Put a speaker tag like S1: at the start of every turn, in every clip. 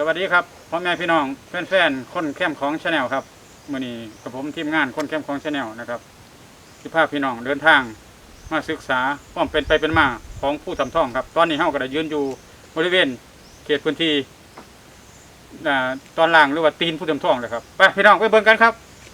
S1: วัสดีครับพ่อแม่พี่น้องแฟนๆคนเข้มของชาแนลครับมื้อนี้กับผมทีมงานคนเข้มของชาแนลนะครับที่พาพี่น้องเดินทางมาศึกษาความเป็นไปเป็นมาของผู้ทำท่องครับตอนนี้เฮาก็ได้ยืนอยู่บริเวณเขตพื้นที่ตอนล่างหรือว่าตีนผู้ทำท่องเลยครับไปพี่น้องไปเบิ่งกันครับ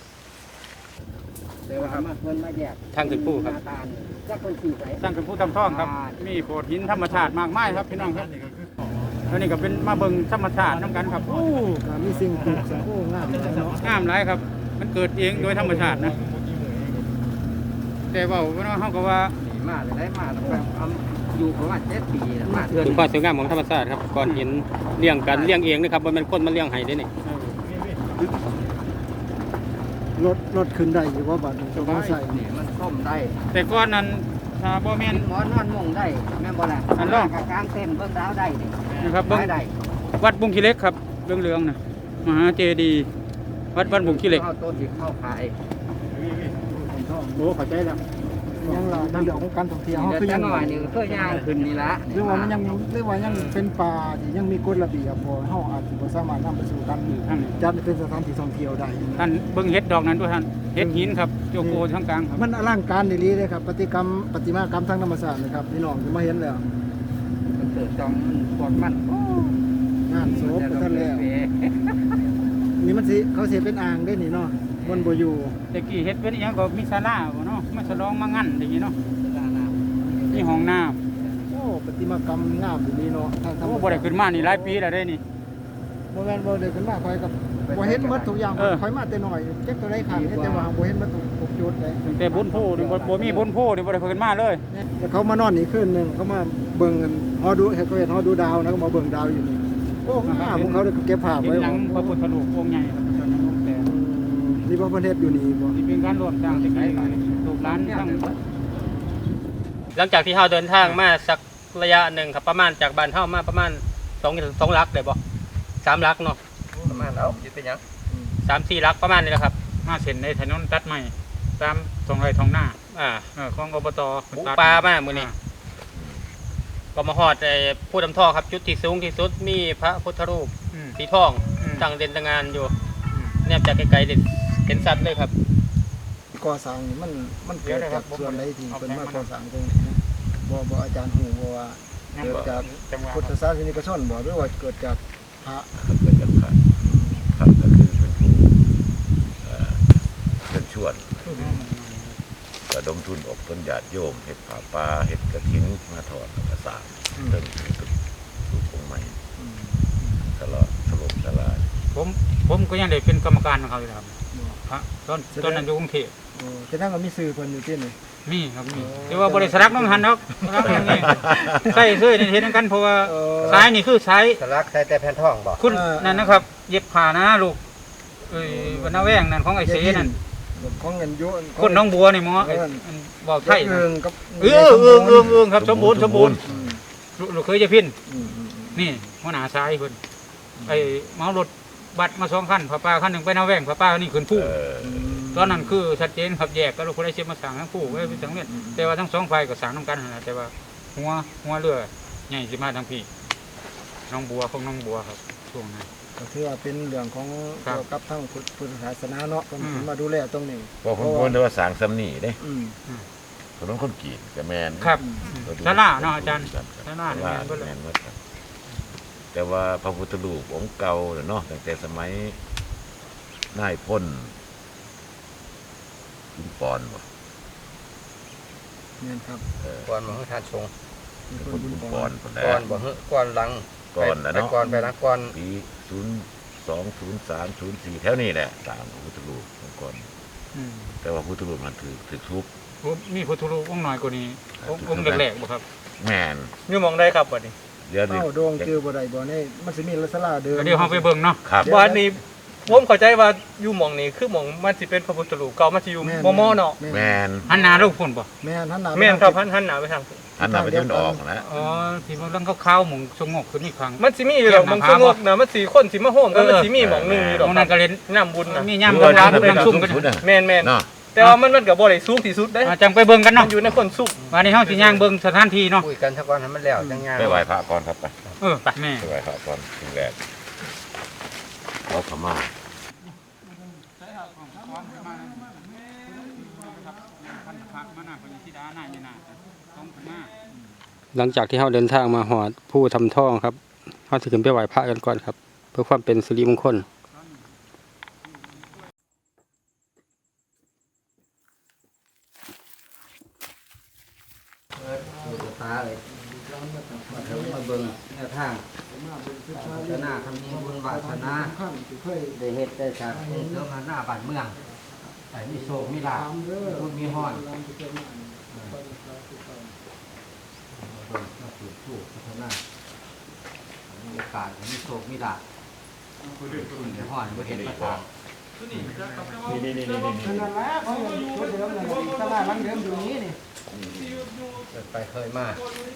S2: แต่ว่ามาเพิ่นมาแยก
S1: ทางขึ้นผู้ครับ
S2: ตาลจักคนขี่ไป
S1: สร้างเป็นผู้ทำท่องครับมีโขดหินธรรมชาติมากมายครับพี่น้องครับอันนี้ก็เป็นมาเบิ่งธรรมชาติน้ำกันครับ
S2: มีสิ่งปลูกสร้างงามเนาะ
S1: งามหลายครับมันเกิดเองโดยธรรมชาตินะแต่ว่าเฮาก็ว่า
S2: มาเลยได้มาตั้งแต่อยู่ประมาณ7 ปีแล้วมาเทื่อ
S3: ถึงความสวยงามของธรรมชาติครับก่อนเห็นเลี้ยงกันเลี้ยงเองนะครับมันเป็นคนมาเลี้ยงให้ได้นี่
S4: รถขึ้นได้อยู่ว่าบัดนี้จะต้องใส่
S2: นี่มันส้มได้
S1: แต่ก่อนนั้นบ่แม่น
S2: หมอนอนมุงได้แม่นบ่ล่ะ
S1: อันร่อง
S2: กลางเต็นท์เบิ่งดาวได้นี่
S1: นะครับเบิ่ง
S2: ได้
S1: วัดบุงขี้เหล็กครับเหลืองๆนะมหาเจดีย์วัดบุงขี้เหล็ก
S2: เข้าต้นที่เข้าขาย
S1: โอ้เข้าใจแล้ว
S4: ยังล่ะในเรื่องของการท่องเที่ยว
S2: เดี๋
S4: เฮา
S2: ยว
S4: คือ
S2: จั
S4: ยัง
S2: งหน่อยนี่เพื่อย่างขึ้นนี่ละ
S4: หรือว่ามันยังหรือว่ายังเป็นป่าที่ยังมีกฎระเบียบบ่เฮาอาจสิบ่สามารถนำไปสู่การจัดเป็นสถานที่ท่องเที่ยวได้
S1: ท่านเบิ่งเฮ็ดดอกนั้นด้วยท่านเฮ็ดหินครับโจโกทั้งกลางครับ
S4: มันอลังการดีเลยครับปฏิมากรรมทางธรรมชาตินะครับพี่น้องจะมาเห็นแล้ว
S2: มันเกิดจอมปวดมัน
S4: งานศพท่านแล้วนี่มันสิเขาสิเป็นอ่างได้นี่เนาะบนบ่อยู่
S1: แต่กี้เฮ็ดเป็นอีหยังก็มีศาลาบ่เนาะมาฉลองมางั้นอย่างงี้เนาะมีห้องน้ำ
S4: โอ้ปฏิมากรรมงามดีเนาะทางธรรม
S1: โอ้
S4: ชาติ
S1: บ่ได้ขึ้นมานี่หลายปีแล้วได้นี่
S4: บ่แม่นบ่ได้ขึ้นมาคอยกับบ่เห็นหมดทุกอย่างคอยมาแต่น้อยเจ็บตัวใดขังแต่ว่าบ่เห็นหมดทุกจุดเลย
S1: ตั้งแต่บุญโพนี่บ่มีบุญโพนี่บ่ได้ขึ้นมาเลย
S4: แต่เขามานอนนี่คืนหนึงเขามาเบิ่งกันฮอดูเห็นฮอดูดาวนะก็มาเบิ่งดาวอยู่นี่โอ้งามของเขาเก็บภาพ
S1: เห็น
S4: ไว้
S1: หลังพระพุทธรูปองค์ใหญ่ครับตอนนั้นองค์แต่
S4: นี่บ่เพิ่นเฮ็ดอยู่นี่บ่
S1: ที่เป็นการรวมสร้างที่ไกลลูกหลานทั้ง
S3: หลังจากที่เฮาเดินทางมาสักระยะหนึ่งครับประมาณจากบ้านเฮามาประมาณ2 ลักได้บ่3 ลักเนาะ
S2: ประมาณแล้วสิเป็นหยัง
S3: 3-4 ลักประมาณนี้แหละครับ
S1: มาเส้นในถนนตัดใหม่ตามตรงไรท้องหน้า ของอบต
S3: บุกป่ามามื้อนี้ก็มาฮอดผู้ทำท่อครับจุดที่สูงที่สุดมีพระพุทธรูปสีทองตั้งเด่นตะงานอยู่เนี่ยจากไกลๆเห็นสัตว์เลยครับ
S4: ก่อสร้างนี่มันเกิดจากส่วนใดที่เพิ่นมาก่อสร้างตรงนี้นะบ่อาจารย์ฮู้บ่ว่าเกิดจากพุทธศาสนิกชนบ่หรือว่าเกิดจากพระ
S5: เกิดจากพระพระก็คือเป็นผู้เป็นชวนระดมทุนอบต้นญาติโยมเห็ดผาป่าเห็ดกระถิ่นมาถอดกระสานเรื่องตุกองค์ใหม่ตลอดถล่มทลาย
S1: ผมก็ยังได้เป็นกรรมการของเขาอยู่ครับพระตอนนั้นอยู่กรุงเทพ
S4: โอ้จะนั่งก็มีสื่อเพิ่นอยู่ที่นี่
S1: มีครับมีแต่ว่าบริษัทน้องหันเนาะอย่างนี้ใส่เสื้อนี่เห็นกันเพราะว่าสายนี่คือสาย
S2: สลักใส่แต่แผ่นทองบ่
S1: คุณนั่นนะครับเย็บผ้านะลูกวันนาแวงนั่นของไอ้เสนั่น
S4: ของเงินโยน
S1: คนน้องบัวนี่หมอบอกใช่
S4: เอิงกับ
S1: ครับสมบูรณ์ลูกเคยจะพินนี่หัวหน้าสายเพิ่นไอ้เมารถบัตรมา2 คันพระป้าคันหนึ่งไปนาแวงพระป้านี่ขึ้นผู้ตอนนั้นคือชัดเจนครับแยกก็ลูกคนได้เชื่อมาสั่งทั้งผู้ไว้ทั้งเล่นแต่ว่าทั้ง2 ฝ่ายก็สั่งน้ำกันนะแต่ว่าหัวเรือใหญ่สิมาทั้งพี่น้องบัวของน้องบัวครับช่วงนั้น
S4: ก็ถือว่าเป็นเรื่องของเกี่ยวกับทางพุทธศาสนาเนาะเพิ่นมาดูแลตรงนี้
S5: เพราะผมพูดว่าสางซ้ำนี่เด้
S4: อืม
S5: คนน้องคนกีดกับแมน
S1: ครับศาลาเนาะอาจารย์ศาลา
S5: แมนว่าแต่ว่าพระพุทธรูปองค์เก่าเนาะตั้งแต่สมัยนายพ่นขุนปอนบ่
S4: เนี่ยครับ
S2: ก่อนมาให้ทานชง
S5: พ่นขุนปอนคนแร
S2: ก่อก นบ่ฮึก่อนหลัง
S5: ก่อนนะเนาะ
S2: ก่อนไปนะก่อน
S5: ปี020304แถวนี้แหละตามพระพุทธรูปองค์ก่อนแต่ว่าพุทธรูปมันถือทุบ
S1: มีพุทธรูปองค์น้อยกว่านี้องค์แรกๆบ่ครับ
S5: แมน
S3: อยู่มองได้ครับบัดนี้
S5: เดี๋ยวนี้
S4: เอ้าโด่งเจอบ่ได้บ่นี่มันสิมีศาลาเดิม
S1: เดี๋ยวเฮาไปเบิ่งเนาะ
S5: ครับ
S3: บัดนี้ผมเข้าใจว่าอยู่หม่องนี้คือหม่องมันสิเป็นพระพุทธรูปเก่ามันสิอยู่มอเนาะ
S5: แมน
S1: หันหน้าลูกพุ่นบ่
S4: แม่นหันหน้า
S3: แม่นครับหันหน้าไปทาง
S5: อันนั้นมันจะออกนะ
S1: อ๋อที่มันเรื่องขาวๆหมองสงบขึ้นนี่ครั้ง
S3: มันสิมีอยู่ดอกหม่องสงบนะมันสิคนสิมาโฮมกันมันสิมีหม่องนึงอยู่ด
S1: ต
S3: อ
S1: ร
S3: ก
S1: งนั้นก็เล่น
S3: น้ำบุญนะ
S1: มีย่ำกันน้ำซุ่มกัน
S3: แม่น
S5: เนาะ
S3: ๆแต่ว่ามันก็บ่ได้สูงที่สุดเด้
S1: จังไปเบิ่งกัน
S3: มั
S1: เนาะ
S3: นอยู่ในคนสูง
S1: วันนี้เฮาสิย่างเบิ่งสถานที่เนาะ
S2: คุยกันซะก่อนให้มันแล้วจังงาน
S5: ไปไหว้พระก่อนครับไป
S1: ไปแม่
S5: ไปไหว้พระก่อนถึงแรกขอขมา
S6: หลังจากที่เราเดินทางมาหอดผู้ทำท่องครับเราจะขึ้นไปไหว้พระกันก่อนครับ เพื่อความเป็นสิริมงคล
S2: ดูตาเลยมาถึงมาเบิ่งแนวทางจะหน้าทำนี้บุญวาสนาได้เฮ็ดได้สร้างได้เสริมหน้าบ้านเมืองแต่มีโศกมีลาภบุญมีฮ้อนมาสู่ผู้พัฒนามีโอกาสมีโศกมีลาภบุญมีฮ้อนบ่เห็นประสาท
S4: นั่นแหละเขาอย่างชุดเดิมเลยตลาดหลังเดิมอยู่นี้นี่
S2: ไปเคยมา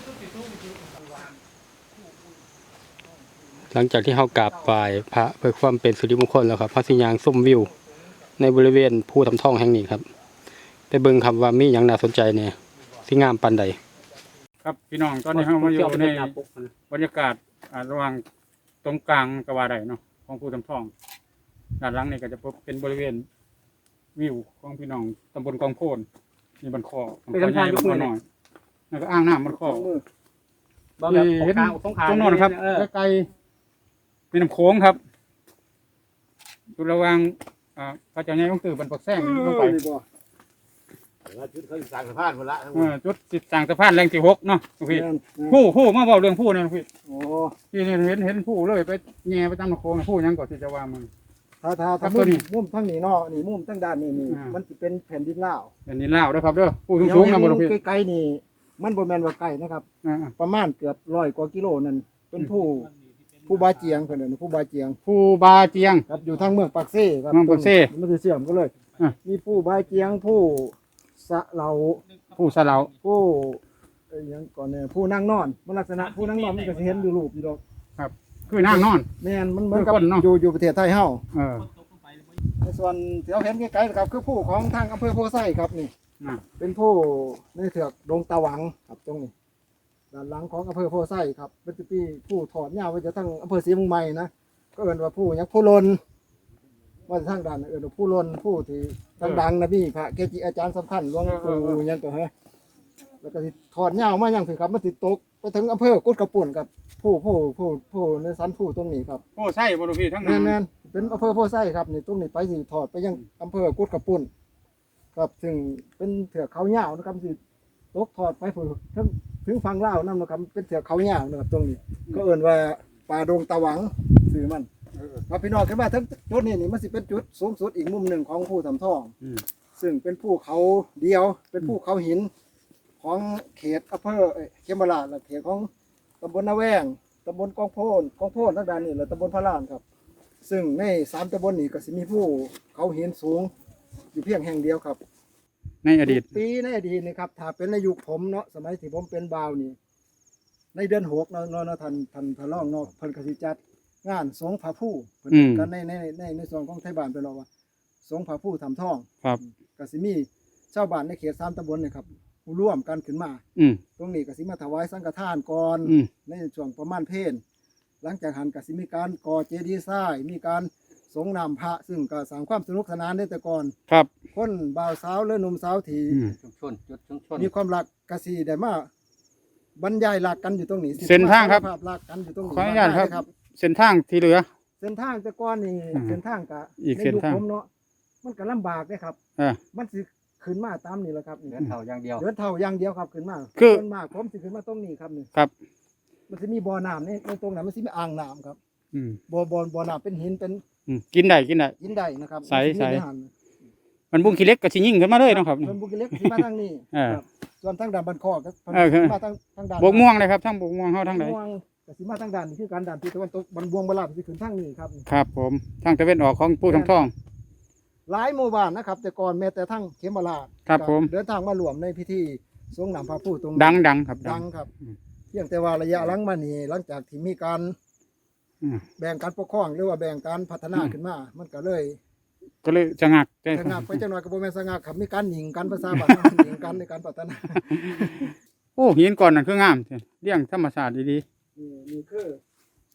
S6: หลังจากที่เรากราบไหว้พระเพื่อความเป็นสิริมงคลแล้วครับพระสิยางส้มวิว ในบริเวณผู้ทำท่องแห่งนี้ครับไปเบิ่งครับว่ามีอย่างน่าสนใจเนี่ยที่งามปานใด
S1: ครับพี่น้องตอนนี้เรามาอยู่ในบรรยากาศระหว่างตรงกลางกว่าใดเนาะของผู้ทำท่องด้านหลังนี่ก็จะเป็นบริเวณวิวของพี่น้องตำบลกองโพนมีบันคอบันคอใหญ่บันคอน้อยแล้วก็อ่างน้ำบันคอเห็นตรงโน้นครับใกล้ๆเป็นน้ำโขงครับอยู่ระหว่างพระเจ้าใหญ่ของตื่นบรรพแซงลงไปจุดสิสร้างสะพานแรงที่6เนาะพี่ผู้มาบอกเรื่องผู้เนี่ยพี่
S4: โอ้
S1: พี่เห็นผู้เลยไปแง่ไปตามน้ำโขงผู้ยังก่อนที่จะว่ามัน
S4: ถ้ามุมทั้งนี้เนาะนี่มุมทั้งด้านนี่มันจะเป็นแผ่นดินลาว
S1: เป็นดินลาวด้วยครับเด้อผู้สูงๆนะบ่พี่
S4: ใกล้ๆนี่มันบ่แม่นว่าใกล้นะครับประมาณเกือบ100 กว่ากิโลนั่นเป็นผู้บาเจียงเพิ่นน่ะผู้บาเจียง
S1: ผู้บาเจียง
S4: ครับอยู่ทางเมืองปากเซ่ครับ
S1: เมืองปากเซ่
S4: มันจะเชื่อมกันเลยมีผู้บาเจียงผู้สะเหลา
S1: ผู้สะเหลา
S4: ผู้ยังก่อนเนี่ยผู้นั่งนอนมันลักษณะผู้นั่งนอนมันก็สิเห็นอยู่รูปอยู่ดอก
S1: ครับคือนั่งนอน
S4: แม่นมันเหมือนกับ
S1: คือคนเนาะ
S4: อยู่ประเทศไทยเฮา
S1: เออ
S4: ในส่วนที่เราเห็นไกลๆนะครับคือผู้ของทางอำเภอโพไซครับนี่
S1: น่ะ
S4: เป็นผู้ในเถือกดงตะหวังครับตรงนี้ด้านหลังของอำเภอโพไซครับเป็นปีผู้ถอดยาวไว้จะทั้งอำเภอศรีเมืองใหม่นะก็เอิ้นว่าผู้ยักษ์ผู้ลนว่าทางด้านเอิ้นว่าผู้ลนผู้ที่ดังๆนะพี่พระเกจิอาจารย์สำคัญหลวงปู่ยังก็ฮะแล้วก็สิถอดยาวมายังถึงครับมันสิตกไปถึงอำเภอกุดกระปุ่นครับผู้ในสันผู้ตรงนี้ครับ
S1: ผู้ใช่บ่พี่ทั้งนั้น
S4: แม่นๆเป็นอำเภอโพไซครับนี่ตรงนี้ไปสิถอดไปยังอำเภอกุดกระปุ่นครับซึ่งเป็นเถือกเขายาวนะครับสิตกถอดไปถึงฝั่งลาวนั่นนะครับเป็นเถือกเขายาวนะครับตรงนี้ ก็เอิ้นว่าป่าดงตะหวังชื่อมันมาพี่น้องขึ้นมาทั้งจุดนี้นี่มันสิเป็นจุดสูงสุดอีกมุมหนึ่งของภูทำทองซึ่งเป็นภูเขาเดียวเป็นภูเขาหินของเขตอำเภอเขมราชและเขตของตำบลนาแวงตำบลกองโพนทางด้านนี้และตำบลพระลานครับซึ่งใน3ตำบลนี้ก็สิมีภูเขาหินสูงอยู่เพียงแห่งเดียวครับ
S1: ในอดีต
S4: ปีในอดีตนี่ครับถ้าเป็นในยุคผมเนาะสมัยที่ผมเป็นบ่าวนี่ในเดือน6เนาะท่านพระรองเนาะเพิ่นก็สิจัดงานสงฆ์พระผู้เพิ่นกันในส่วนของไทยบ้านเพิ่นเนาะว่าสงฆ์พระผู้ทำทอง
S1: ครับ
S4: ก็สิมีชาวบ้านในเขต3ตำบลนี่ครับร่วมกันขึ้นมา ตรงนี้ก็สิมาถวายสังฆทานก่อนในช่วงประมาณเพลหลังจากหันก็สิมีการก่อเจดีย์ทรายมีการสงน้ำพระซึ่งก็สร้างความสนุกสนานได้แต่ก่อน
S1: ครับ
S4: คนบ่าวสาวและหนุ่มสาวที่
S2: ชุมชนจุดชุมชน
S4: มีความรักกสิได้มาบรรยายรักกันอยู่ตรงนี้
S1: เส้นทางครับ
S4: ภาพรักกันอยู่ตรงนี้
S1: ขออนุญาตครับ
S4: ครับ
S1: เส้นทางที่เหลือ
S4: เส้นทางแต่ก่อนนี่เส้นทางก็
S1: อีก
S4: ใน
S1: เส้น
S4: ยุค
S1: ทาง
S4: ผมเนาะมันก็ลำบากเลยครับ
S1: อ่า
S4: มันสิขึ้นมาตามนี่แหละครับนี่
S2: เดินเท่าอย่างเดียว
S4: เดินเท่าอย่างเดียวครับขึ้นมา
S1: คือ
S4: ส่วนมากผมสิขึ้นมาตรงนี้ครับนี่
S1: ครับ
S4: มันสิมีบ่อน้ำในตรงนั้นมันสิมีอ่างน้ำครับ
S1: อืม
S4: บ่อน้ำเป็นหินเป็น
S1: กินได้
S4: ยินได้นะครับ
S1: ใส
S4: มันสิมีในหัน
S1: มันบุ้งขี้เล็กก็สิยิ่งขึ้นมาเลยเนาะครับ
S4: เพิ่นบุกเล็กสิมาทางนี้
S1: อ่า
S4: ครับส่วนทางด้านบ้านคอกก็เพิ่น
S1: คือ
S4: สิมาทางด้าน
S1: บกม่วงเลยครับทั้งบกม่วงเฮาทั้งไหน
S4: ม่วงก็สิมาทางด้านนี่คือการด้านที่ตะวันตกบันบวงบลาดสิขึ้นทางนี้ครับ
S1: ครับผมทางตะเวนออกของผู้ทำท่อง
S4: หลายหมู่บ้านนะครับ แต่ก่อนแม้แต่ทั้งเขมราช
S1: ครับผม
S4: เดินทางมารวมในพิธีสงน้ำพระผู้ตรง
S1: ดังครับ
S4: ดังครับเพียงแต่ว่าระยะหลังมานี่หลังจากที่มีการ
S1: อืม
S4: แบ่งการปกครองหรือว่าแบ่งการพัฒนาขึ้นมา มันก็เลย
S1: ก็เลยจะงัก
S4: สงักไปจังหน่อยก็บ่แม่นสงักครับมีการหญิงกันภาษาบ้านหญิงกันในการพัฒนา
S1: โอ้หินก่อนนั่นคืองามเรียงธรรมชาติดี
S4: นี่คือ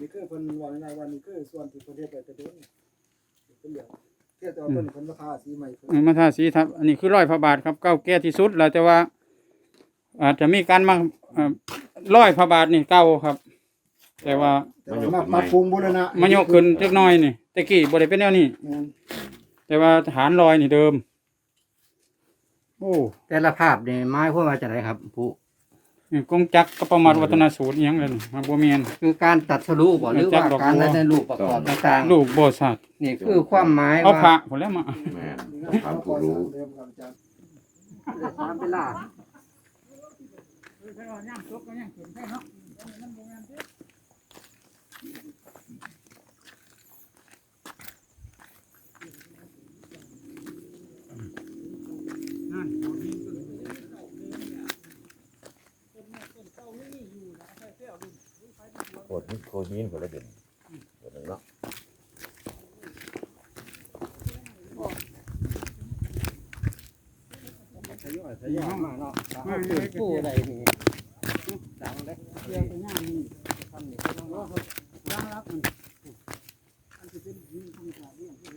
S4: นี่คือเพิ่นว่าง่ายๆว่านี่คือส่วนที่ประเทศไปแต่เดิมเป็นเหลืองเทียบแต่ว่าต้นเพิ่นราคาสีใหม่เพิ่น
S7: มาทาสีทับอันนี้คือ100 พระบาทครับเก่าแก่ที่สุดแล้วแต่ว่า อาจจะมีการมา100 พระบาทนี่เก่าครับ แต่ว่า
S4: แต่ว่ามาปรับปรุงบูรณะ
S7: มายกขึ้นจักหน่อยนี่แต่กี้บ่ได้เป็นแนวนี้
S4: แม่น
S7: แต่ว่าฐานลอยนี่เดิม โอ้
S2: แต่ละภาพนี่หมายความว่าจะไดครับผู้
S7: นี่กงจักรก็ประมาทวัฒนสูตรอิหยังเลยนี่มาบ่แม่น
S2: คือการตัดสรุปบ่หรือว่าการในรูปประกอบต่าง
S7: ลูกบ่สัตว์
S2: ๆนี่คือความหมาย
S7: เอาพระ
S2: ว่า
S7: พุ่นแล้วมา
S5: แม่น
S4: นี่
S5: ถามผู้รู้
S4: เดิมครับอาจารย์
S2: ได้ตามเวลา
S5: โคตรโคยินคนละเด่นคนหนึ่งเนาะ
S2: ทยอยมาเนาะเอาขึ้นผู้ใดนี่ดังเด้เรื่องไปงานนี่ทำนี่ก็ต้องว่า
S4: ยางรักมันอันที่เป็นหินธรรมชาติเนี่ย